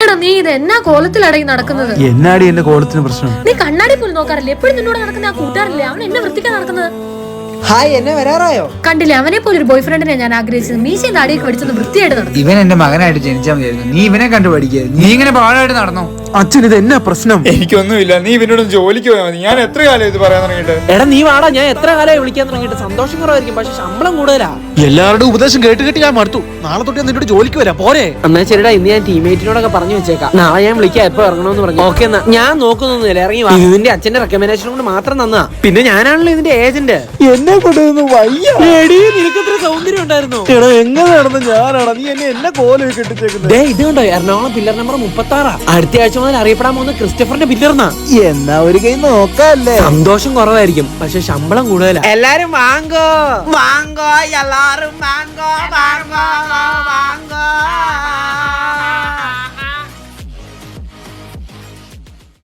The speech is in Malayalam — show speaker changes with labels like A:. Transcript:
A: എന്താടാ നീ ഇത് എന്നാ കോലത്തിലടങ്ങി നടക്കുന്നത്?
B: എന്നാടി എന്റെ കോലത്തിന് പ്രശ്നം?
A: നീ കണ്ണാടി പോലും നോക്കാറില്ലേ? എപ്പോഴും നിന്നോട് നടക്കുന്ന ആ കൂട്ടുകാരല്ലേ അവൻ എന്നെ വൃത്തിക്കാൻ നടക്കുന്നത്?
C: ഹായ്, എന്നെ വരാറായോ?
A: കണ്ടില്ലേ, അവനെ പോലെ ഒരു ബോയ് ഫ്രണ്ടിനെ ഞാൻ ആഗ്രഹിച്ചത്. മീശയും താടിയൊക്കെ പഠിച്ചത് വൃത്തിയായിട്ട് നടന്നു.
D: ഇവൻ എന്റെ മകനായിട്ട് ജനിച്ചാൽ മതിയായിരുന്നു. നീ ഇവനെ കണ്ടു പഠിക്കുക. നീ ഇങ്ങനെ പാടായിട്ട് നടന്നോ?
B: അച്ഛൻ ഇത് എന്നാ പ്രശ്നം?
E: എനിക്കൊന്നുമില്ല, നീ ഇവനോട് ജോലിക്ക് പോയാൽ മതി. ഞാൻ എത്ര കാലം ഇത് പറയാൻ തുടങ്ങിയിട്ട്?
C: എടാ നീ വാടാ, ഞാൻ എത്ര കാലമായി വിളിക്കാൻ തുടങ്ങിയിട്ട്. സന്തോഷം കുറവായിരിക്കും, പക്ഷെ ശമ്പളം കൂടുതലാ.
B: എല്ലാവരുടെയും ഉപദേശം കേട്ട് കേട്ട് ഞാൻ മടുത്തു. നാളെ തൊട്ട് നിന്നോട് ജോലിക്ക് വരാം പോരെ?
C: എന്നാ ശരിടാ, ഇന്ന് ഞാൻ ടീമേറ്റിനോടൊക്കെ പറഞ്ഞു വെച്ചേക്കാം. നാളെ ഞാൻ വിളിക്കാം, എപ്പോ ഇറങ്ങണമെന്ന് പറഞ്ഞു. ഓക്കെ എന്നാ ഞാൻ നോക്കുന്നൊന്നുമില്ല, ഇറങ്ങി വാ. ഇതിന്റെ അച്ഛന്റെ റെക്കമെൻഡേഷൻ കൊണ്ട് മാത്രം തന്നാ. പിന്നെ ഞാനാണല്ലോ ഇതിന്റെ ഏജന്റ്.
B: എന്നെ കൊണ്ടുവന്ന് വയ്യ.
C: നിനക്കത്ര സൗന്ദര്യം ഉണ്ടായിരുന്നു.
B: എടാ എങ്ങനെ നടന്ന ഞാനാണ് നീ എന്നെ കോലൊക്കെ കെട്ടിച്ചേക്കുന്നത്?
C: ഇത് കണ്ടോ, എറണാകുളം പില്ലർ നമ്പർ 36. അടുത്ത ആഴ്ച മുതൽ അറിയപ്പെടാൻ പോകുന്ന ക്രിസ്റ്റഫറിന്റെ പില്ലർന്നാ.
B: എന്നാ ഒരു കൈ നോക്കാല്ലേ?
C: സന്തോഷം കുറവായിരിക്കും, പക്ഷെ ശമ്പളം കൂടുതലാ. എല്ലാരും വാങ്ങോ വാങ്ങോ, എല്ലാരും വാങ്ങോ വാങ്ങോ വാങ്ങോ.